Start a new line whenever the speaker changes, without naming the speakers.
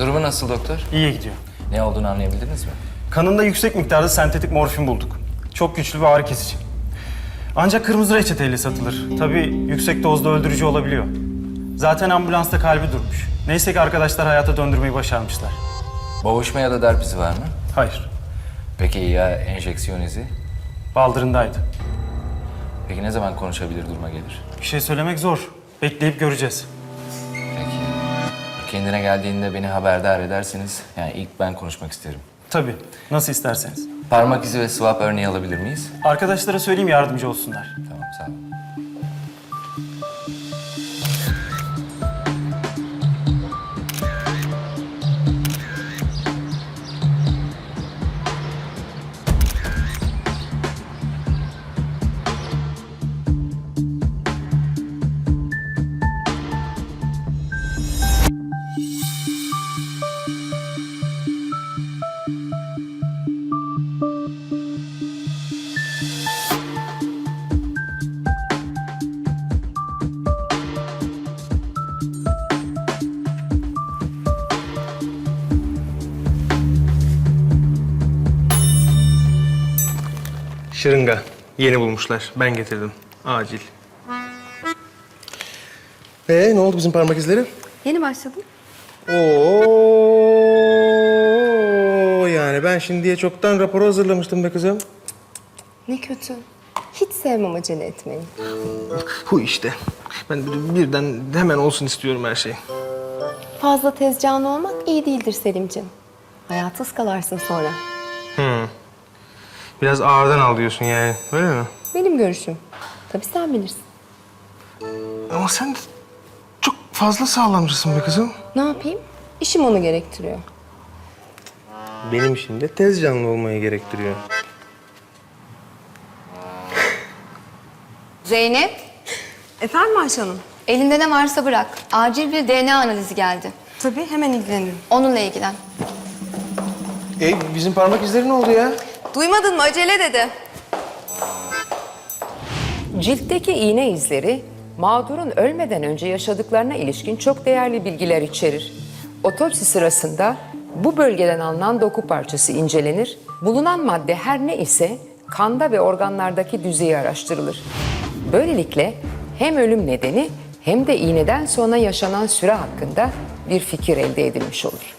Durumu nasıl doktor?
İyi gidiyor.
Ne olduğunu anlayabildiniz mi?
Kanında yüksek miktarda sentetik morfin bulduk. Çok güçlü ve ağrı kesici. Ancak kırmızı reçeteyle satılır. Tabii yüksek dozda öldürücü olabiliyor. Zaten ambulansta kalbi durmuş. Neyse ki arkadaşlar hayata döndürmeyi başarmışlar.
Boğuşma ya da darp izi var mı?
Hayır,
Peki ya enjeksiyon izi?
baldırındaydı.
Peki ne zaman konuşabilir, duruma gelir?
Bir şey söylemek zor. Bekleyip göreceğiz.
Peki. Kendine geldiğinde beni haberdar edersiniz. Yani ilk ben konuşmak isterim.
Tabii, nasıl isterseniz.
Parmak izi ve swap örneği alabilir miyiz?
Arkadaşlara söyleyeyim yardımcı olsunlar.
Tamam, sağ olun.
Şırınga. Yeni bulmuşlar. Ben getirdim. Acil. Ne oldu bizim parmak izleri?
Yeni başladım.
Oo, yani ben şimdiye çoktan raporu hazırlamıştım be kızım.
Ne kötü. Hiç sevmem acele etmeyi.
Bu işte. Ben birden hemen olsun istiyorum her şey.
Fazla tezcanlı olmak iyi değildir Selimciğim. Hayatı ıskalarsın sonra.
Biraz ağırdan al diyorsun yani. Öyle mi?
Benim görüşüm. Tabii sen bilirsin.
Ama sen de çok fazla sağlamcısın be kızım.
Ne yapayım? İşim onu gerektiriyor.
Benim işim de tez canlı olmayı gerektiriyor.
Zeynep,
Efendim Ayşe Hanım?
elinde ne varsa bırak. Acil bir DNA analizi geldi.
Tabii hemen ilgilenirim.
Onunla ilgilen.
Bizim parmak izleri ne oldu ya?
Duymadın mı? Acele dedi.
Ciltteki iğne izleri, mağdurun ölmeden önce yaşadıklarına ilişkin çok değerli bilgiler içerir. Otopsi sırasında bu bölgeden alınan doku parçası incelenir. Bulunan madde her ne ise kanda ve organlardaki düzeyi araştırılır. Böylelikle hem ölüm nedeni hem de iğneden sonra yaşanan süre hakkında bir fikir elde edilmiş olur.